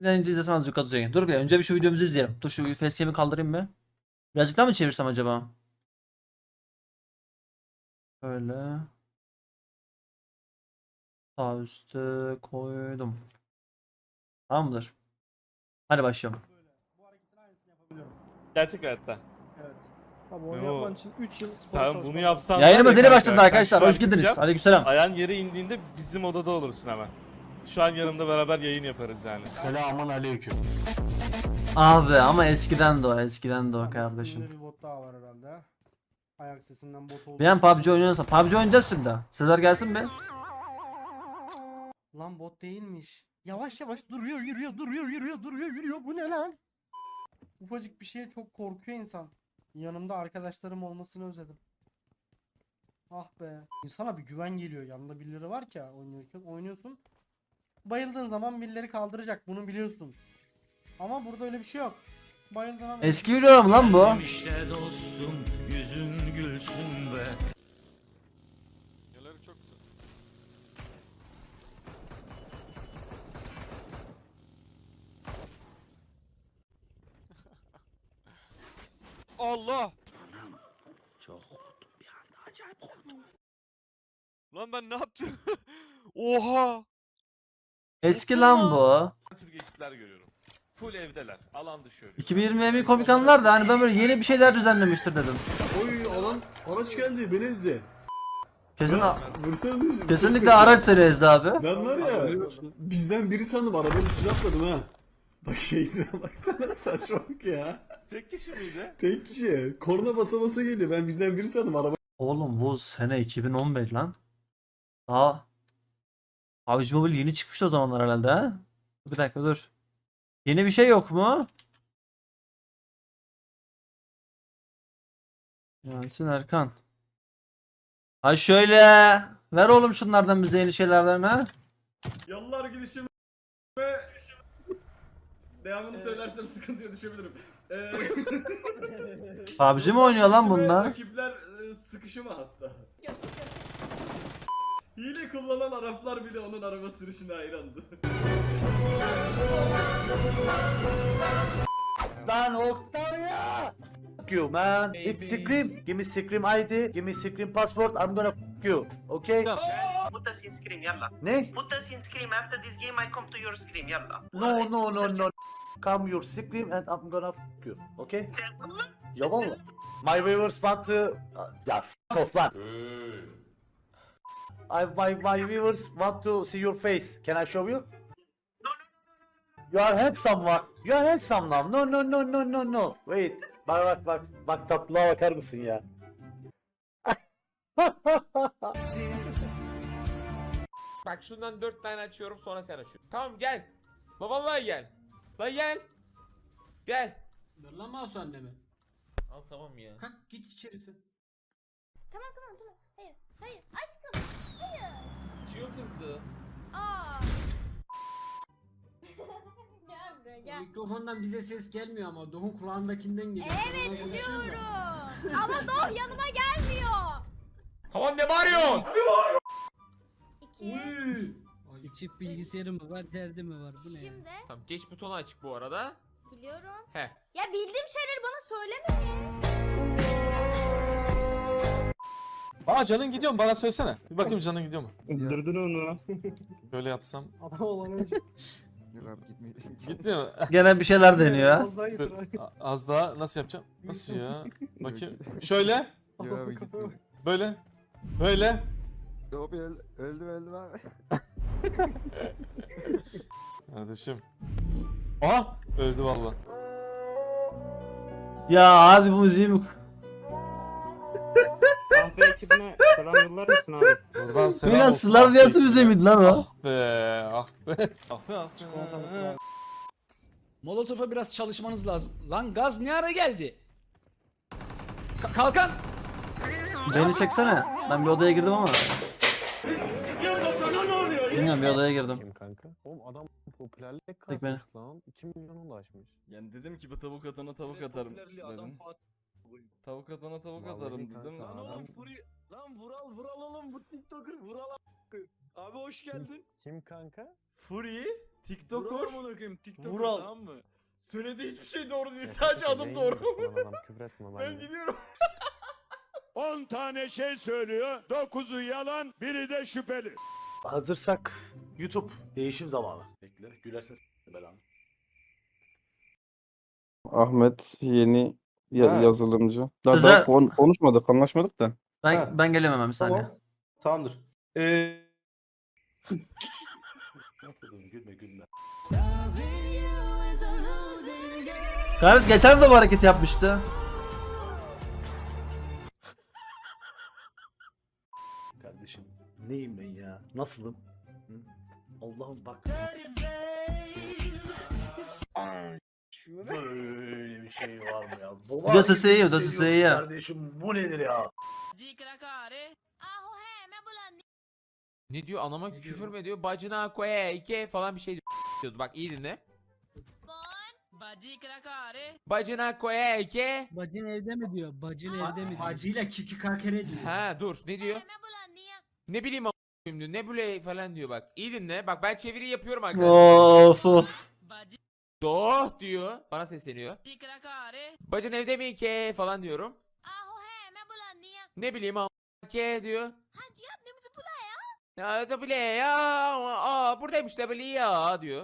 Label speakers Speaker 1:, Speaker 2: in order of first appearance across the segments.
Speaker 1: Önce izlesen azıcık atacak. Dur bir önce bir şu videomuzu izleyelim. Dur şu facecam'i kaldırayım mı? Birazcık daha mı çevirsem acaba? Böyle. Sağ üstte koydum. Tamamdır. Hadi başlayalım.
Speaker 2: Bu hareketin aynısını yapabiliyorum.
Speaker 3: Gerçek hayatta.
Speaker 2: Evet. Tabii onu
Speaker 3: Yo.
Speaker 2: yapman için 3 yıl spor
Speaker 3: Sen
Speaker 2: çalışman
Speaker 3: bunu
Speaker 2: lazım.
Speaker 3: yapsan
Speaker 1: Yayınımız
Speaker 3: var ya
Speaker 1: yeni
Speaker 3: kanka,
Speaker 1: başladı
Speaker 3: sen
Speaker 1: arkadaşlar.
Speaker 3: şu an
Speaker 1: Hoş geldiniz.
Speaker 3: gideceğim,
Speaker 1: Aleykümselam.
Speaker 3: Ayağın yere indiğinde bizim odada olursun hemen. Şu an yanımda beraber yayın yaparız yani.
Speaker 4: Selamun aleyküm.
Speaker 1: Abi ama eskiden de o. Eskiden de o kardeşim.
Speaker 2: Üstünde bir bot daha var herhalde. Ayak sesinden bot oldu.
Speaker 1: Bir an PUBG oynuyorsa. PUBG oynayacağız şimdi. Sezer gelsin mi?
Speaker 2: Lan bot değilmiş. Yavaş yavaş duruyor, yürüyor. Bu ne lan? Ufacık bir şeye çok korkuyor insan. Yanımda arkadaşlarım olmasını özledim. Ah be. İnsana bir güven geliyor. Yanında birileri var ki ya oynuyorsun. Bayıldığın zaman birileri kaldıracak. Bunu biliyorsun. Ama burada öyle bir şey yok. Bayıldığın an...
Speaker 1: Eski video mu lan bu?
Speaker 4: İşte dostum yüzün gülsün be.
Speaker 5: Yerleri çok güzel. Allah!
Speaker 4: Çok korktum bir anda, acayip korktum.
Speaker 5: Lan ben ne yaptım? Oha!
Speaker 1: Eski lan bu.
Speaker 3: Türk ekipler görüyorum. Full evdeler. Alan dışı ölüyor.
Speaker 1: 2020 emin komik anılar da hani ben böyle yeni bir şeyler düzenlemiştir dedim.
Speaker 6: Oy alan araç geldi beni izle.
Speaker 1: Kesin
Speaker 6: Vursana
Speaker 1: kesinlikle araç serisi abi.
Speaker 6: Ben var ya bizden biri sandım arabanın üstüne atladım ha. Bak şeyine baksana saçmalık ya.
Speaker 3: Tek kişi miydi?
Speaker 6: Tek kişi. Korna basa basa geliyor ben bizden biri sandım araba.
Speaker 1: Oğlum bu sene 2015 lan. Daha PUBG Mobile yeni çıkmış o zamanlar herhalde ha. Bir dakika dur. Yeni bir şey yok mu? Yalçın Erkan. Ha şöyle. Ver oğlum şunlardan bize yeni şeylerden ha.
Speaker 6: Yallar gidişim ve devamını söylersem sıkıntıya düşebilirim.
Speaker 1: PUBG mi oynuyor lan bunlar?
Speaker 6: Rakipler sıkışıma hasta. Hile kullanan Araplar bile onun araba sürüşüne hayrandı.
Speaker 7: Lan Octavia! Fuck you man. It's Scream. Give me Scream ID. Give me Scream passport. I'm gonna fuck you. Okay?
Speaker 8: Put us in scream, yalla.
Speaker 7: Ne?
Speaker 8: Put us in scream. After this game, I come to your scream, yalla.
Speaker 7: No. Come your Scream and I'm gonna fuck you. Okay? Ya valla. My viewers want to... Ya fuck off lan. My viewers want to see your face. Can I show you? You are handsome one. You are handsome now. No. Wait. Bak tatlılığa bakar mısın ya?
Speaker 9: Bak şundan 4 tane açıyorum sonra sen açıyorsun. Tamam gel. La vallahi gel. La gel. Gel.
Speaker 10: Ver lan mouse anneme.
Speaker 9: Al tamam ya.
Speaker 10: Kalk git içerisi.
Speaker 11: Tamam. Hayır aşkım. Hayır.
Speaker 9: Çiyo kızdı.
Speaker 11: Aa. Gel buraya
Speaker 10: O
Speaker 11: gel.
Speaker 10: mikrofondan bize ses gelmiyor ama Doğun kulağındakinden geliyor.
Speaker 11: Evet
Speaker 10: Ona konuşuyorum da.
Speaker 11: biliyorum. Ama Doh yanıma gelmiyor.
Speaker 9: Tamam ne bağırıyorsun?
Speaker 11: 2.
Speaker 10: Ay,
Speaker 12: İçip bilgisayarı mı var, derdi mi var? Bu ne ya?
Speaker 11: Şimdi
Speaker 9: Tamam geç butonu açık bu arada.
Speaker 11: biliyorum.
Speaker 9: He.
Speaker 11: Ya bildiğim şeyleri bana söyleme.
Speaker 3: Aa canın gidiyor mu? Bana söylesene. Bir bakayım canın gidiyor mu?
Speaker 4: Durdun onu.
Speaker 3: Böyle yapsam.
Speaker 2: Adam olan önce.
Speaker 3: Gitti mi?
Speaker 1: Gene bir şeyler deniyor ha.
Speaker 2: Az daha getir.
Speaker 3: Az daha nasıl yapacağım? Nasıl ya? Bakayım. Şöyle.
Speaker 2: Adamın kafaya bak.
Speaker 3: Böyle. Böyle.
Speaker 4: Öldüm abi.
Speaker 3: Kardeşim. Aa! Öldü valla.
Speaker 1: Ya hadi bu müziği mi?
Speaker 4: Kahve ekibine selam yollar mısın abi?
Speaker 3: Buradan selam
Speaker 1: Milan
Speaker 3: olsun.
Speaker 1: Sılar Diyası müziği miydi lan o?
Speaker 3: Ah be. Ah be. Ah be.
Speaker 4: Molotof'a biraz çalışmanız lazım. Lan gaz ne ara geldi? Kalkan!
Speaker 1: Beni çeksene. Ben bir odaya girdim ama. Bilmiyorum bir odaya girdim.
Speaker 4: Kim kanka? Oğlum adam popülerlik
Speaker 1: Tek beni.
Speaker 4: lan. 2 milyon ulaşmış.
Speaker 6: Yani dedim ki bu tavuk atana tavuk atarım dedim.
Speaker 3: Tavuk atana tavuk atarım dedim.
Speaker 10: Lan oğlum
Speaker 5: Lan Vural oğlum bu TikToker Vural abi hoş geldin.
Speaker 7: Kim kanka?
Speaker 3: Fury, TikToker,
Speaker 5: Amına koyayım TikToker
Speaker 3: Vural.
Speaker 5: tamam mı?
Speaker 3: Söylediği hiçbir şey doğru değil. Sadece adım doğru. Ben gidiyorum.
Speaker 5: 10 tane şey söylüyor. 9'u yalan, biri de şüpheli.
Speaker 7: Hazırsak YouTube değişim zamanı. Bekle gülersen belanı.
Speaker 6: Ahmet yeni yazılımcı.
Speaker 1: Kıza-
Speaker 6: Daha konuşmadık, anlaşmadık da.
Speaker 1: Ben geliyorum hemen bir saniye.
Speaker 6: Tamamdır.
Speaker 7: Gülme gülme.
Speaker 1: Kardeş geçen de bu hareket yapmıştı.
Speaker 7: Kardeşim neyim ben ya? Nasılım? Hı? Allah'ım bak. Böyle bir şey var mı ya? Dolar
Speaker 1: Dosu
Speaker 7: gibi
Speaker 1: seyiyor,
Speaker 7: hissediyorum
Speaker 1: dosu seyiyor.
Speaker 7: Kardeşim bu nedir ya?
Speaker 11: Ahu he me bulan.
Speaker 9: Ne diyor anama küfür mü ediyor? Bacına koyayke falan bir şey diyordu. Bak iyi dinle. Bacına koyayke.
Speaker 12: Bacın evde mi diyor? Bacın evde mi diyor?
Speaker 10: Hacıyla kiki kakere diyor.
Speaker 9: Ha dur ne diyor?
Speaker 11: Me bulan niye?
Speaker 9: Ne bileyim a**ayım diyor. Ne böyle falan diyor bak. İyi dinle. Bak ben çeviri yapıyorum arkadaşlar.
Speaker 1: Of.
Speaker 9: Doğ diyor. Bana sesleniyor. Bacın evde mi ki falan diyorum.
Speaker 11: Ahu he me bulan niye?
Speaker 9: Ne bileyim a**ke diyor.
Speaker 11: Hacı yap ne bizi bula ya?
Speaker 9: Ya da bile ya. Aa buradaymış da bile ya diyor.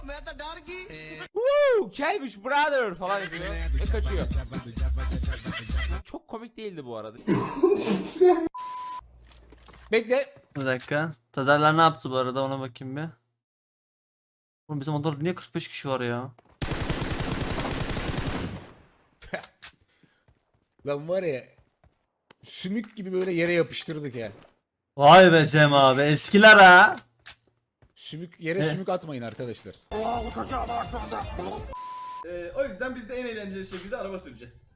Speaker 9: Woo, gelmiş brother falan yapıyor ve kaçıyor. Çok komik değildi bu arada.
Speaker 4: Bekle.
Speaker 1: Bir dakika. Tadarlar ne yaptı bu arada ona bakayım bir. Oğlum bizim odada niye 45 kişi var ya?
Speaker 4: Lan var ya. Sümük gibi böyle yere yapıştırdık ya.
Speaker 1: Vay be Cem abi eskiler ha.
Speaker 4: Yere sümük atmayın arkadaşlar.
Speaker 6: O yüzden biz de en eğlenceli şekilde araba süreceğiz.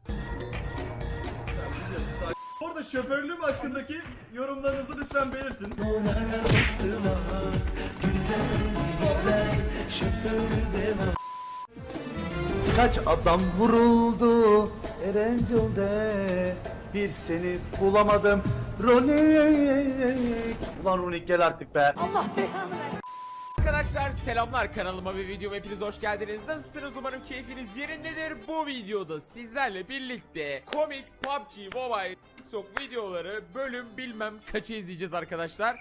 Speaker 6: Bu arada şoförlüğüm hakkındaki yorumlarınızı lütfen belirtin.
Speaker 7: Kaç adam vuruldu Erencil'de bir seni bulamadım Ronik. Ulan Ronik gel artık be.
Speaker 9: Arkadaşlar selamlar, kanalıma ve videoma hepiniz hoş geldiniz. Nasılsınız? Umarım keyfiniz yerindedir. Bu videoda sizlerle birlikte komik PUBG Mobile TikTok videoları bölüm bilmem kaçı izleyeceğiz arkadaşlar.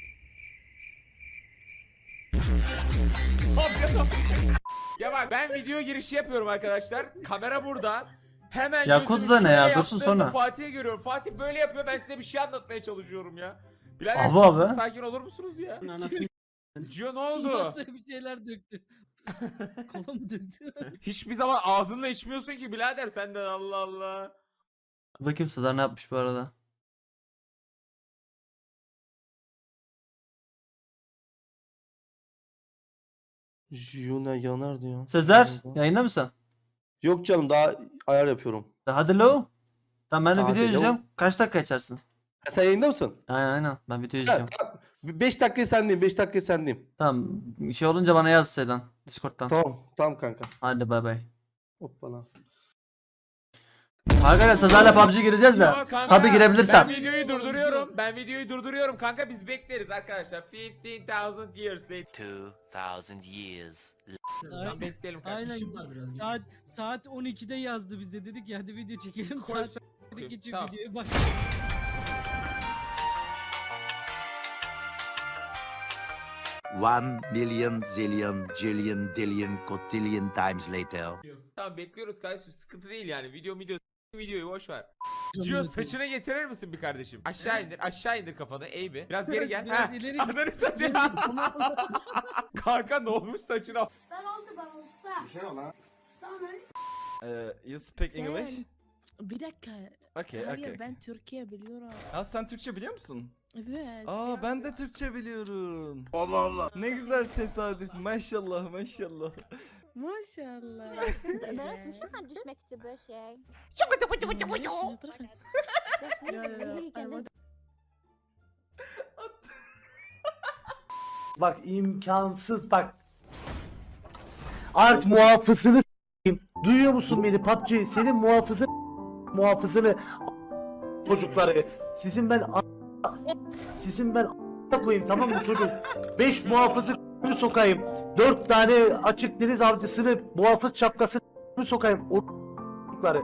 Speaker 9: Ya bak ben video girişi yapıyorum arkadaşlar. Kamera burada. Hemen
Speaker 1: Yakuza
Speaker 9: gözümü
Speaker 1: ne ya?
Speaker 9: şöyle
Speaker 1: Dursun
Speaker 9: yaptığımda
Speaker 1: sonra.
Speaker 9: Fatih'i görüyorum. Fatih böyle yapıyor, ben size bir şey anlatmaya çalışıyorum ya. Birader
Speaker 1: Abi,
Speaker 9: siz
Speaker 1: abi.
Speaker 9: sakin olur musunuz ya?
Speaker 12: Anasını
Speaker 9: Gio ne oldu?
Speaker 12: Masaya bir şeyler döktü. Kola mı döktü?
Speaker 9: Hiçbir zaman ağzınla içmiyorsun ki birader senden, Allah Allah.
Speaker 1: Bakayım Sezer ne yapmış bu arada.
Speaker 6: Juna yanar diyor.
Speaker 1: Sezer yayında mısın?
Speaker 6: Yok canım daha ayar yapıyorum.
Speaker 1: Hadi lo. Tamam ben de
Speaker 6: Hadi
Speaker 1: video
Speaker 6: lo.
Speaker 1: izleyeceğim. Kaç dakika açarsın?
Speaker 6: Sen yayında mısın?
Speaker 1: Aynen ben video izleyeceğim.
Speaker 6: 5 dakika sendeyim, 5 dakika sendeyim.
Speaker 1: Tamam şey olunca bana yaz şeyden Discord'dan.
Speaker 6: Tamam kanka.
Speaker 1: Hadi bay bay.
Speaker 6: Hoppala.
Speaker 1: Arkadaşlar Sezer'le PUBG gireceğiz de.
Speaker 9: Yo kanka,
Speaker 1: Tabi girebilirsem.
Speaker 9: Ben videoyu durduruyorum. Ben videoyu durduruyorum kanka, biz bekleriz arkadaşlar. 15,000 years later.
Speaker 8: 2000 years.
Speaker 9: Tamam bekleyelim
Speaker 12: Aynen.
Speaker 9: kardeşim.
Speaker 12: Saat 12'de yazdı bizde, dedik ya hadi video çekelim.
Speaker 9: Koy
Speaker 12: Saat
Speaker 9: Tamam.
Speaker 12: geçiyor videoya bak.
Speaker 7: One million zillion jillion dillion cotillion times later.
Speaker 9: Tamam bekliyoruz kardeşim, sıkıntı değil yani. Videoyu boş ver. Gio saçını getirir misin bir kardeşim? Aşağı indir kafanı, eğ bir. Biraz geri gel.
Speaker 12: Biraz
Speaker 9: Ha.
Speaker 12: ileri git.
Speaker 9: Ananı satayım. Kanka ne olmuş saçına?
Speaker 11: Ben oldu bana usta.
Speaker 6: Bir şey ol ha.
Speaker 3: You speak English?
Speaker 11: Bir dakika.
Speaker 3: Okay.
Speaker 11: Ben Türkiye biliyorum.
Speaker 3: Ha sen Türkçe biliyor musun?
Speaker 11: Evet.
Speaker 3: Aa ben de Türkçe biliyorum. Allah Allah. Ne güzel tesadüf. Maşallah.
Speaker 11: Maşallah.
Speaker 13: Berat şu düşmek için böyle şey.
Speaker 7: Bak imkansız bak. Art muhafızını s**eyim. Duyuyor musun beni PUBG? Senin muhafızın muhafızını çocukları. Sizin ben koyayım, tamam mı çocuk? 5 muhafızı sokayım. 4 tane açık deniz avcısını, muhafız şapkası sokayım. O çocukları.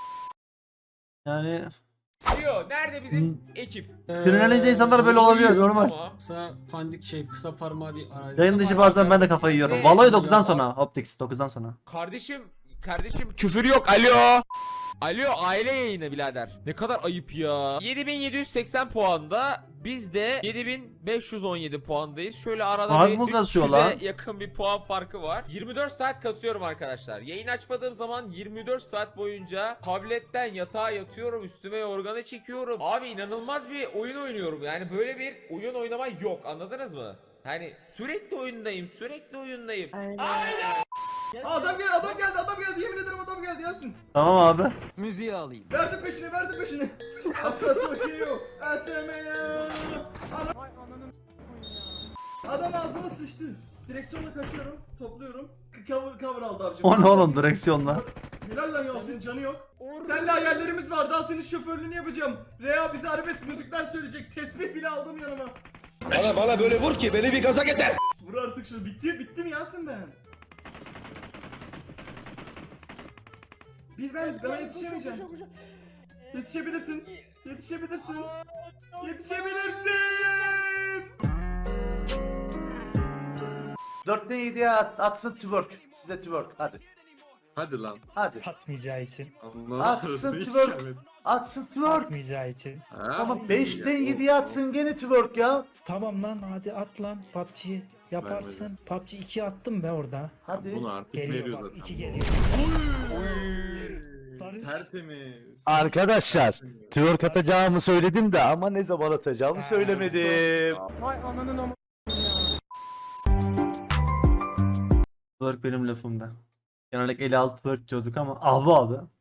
Speaker 1: Yani
Speaker 9: Diyor. Nerede bizim ekip?
Speaker 1: sinirlenince insanlar böyle olabiliyor normal.
Speaker 9: Ama
Speaker 12: Kısa pandik kısa parmağı bir arayla.
Speaker 1: Yayın dışı bazen ben de kafayı yiyorum. Valo'yu 9'dan sonra. Optics 9'dan sonra.
Speaker 9: Kardeşim küfür yok. Alo. Alo aile yayını birader. Ne kadar ayıp ya. 7780 puanda. Biz de 7517 puandayız. Şöyle arada
Speaker 1: Abi
Speaker 9: bir
Speaker 1: bu kasıyor lan.
Speaker 9: 300'e yakın bir puan farkı var. 24 saat kasıyorum arkadaşlar. Yayın açmadığım zaman 24 saat boyunca tabletten yatağa yatıyorum. Üstüme yorganı çekiyorum. Abi inanılmaz bir oyun oynuyorum. Yani böyle bir oyun oynama yok. Anladınız mı? Yani sürekli oyundayım.
Speaker 6: Adam geldi yemin ederim adam geldi Yasin.
Speaker 1: Tamam abi.
Speaker 4: Müziği alayım.
Speaker 6: Verdim peşine. Asla Tokyo. SM'ye. Adam ağzıma sıçtı. Direksiyonla kaçıyorum, topluyorum. Cover aldı abicim.
Speaker 1: O ne oğlum direksiyonla.
Speaker 6: Helal lan Yasin, canı yok. Seninle hayallerimiz var, daha senin şoförlüğünü yapacağım. Rea bize arabesk müzikler söyleyecek, tesbih bile aldım yanıma.
Speaker 5: Bana böyle vur ki beni bir gaza getir.
Speaker 6: Vur artık şunu, bitti mi Yasin ben? Bana yetişemeyeceğim. Yetişebilirsin.
Speaker 7: 4'te 7'ye atsın twerk. Size twerk hadi.
Speaker 10: Hadi lan.
Speaker 7: Hadi.
Speaker 10: Atmayacağı için.
Speaker 7: Atsın twerk. Atsın twerk.
Speaker 10: Atmayacağı için.
Speaker 7: Ama 5'ten 7'ye atsın gene twerk ya.
Speaker 10: Tamam lan hadi at lan PUBG yaparsın. PUBG 2 attım be orada.
Speaker 7: Hadi.
Speaker 10: Artık geliyor bak 2 geliyor.
Speaker 5: Tertemiz.
Speaker 7: Arkadaşlar twerk atacağımı söyledim de ama ne zaman atacağımı söylemedim.
Speaker 1: Twerk benim lafımda. Genellikle 56 twerk diyorduk ama abi.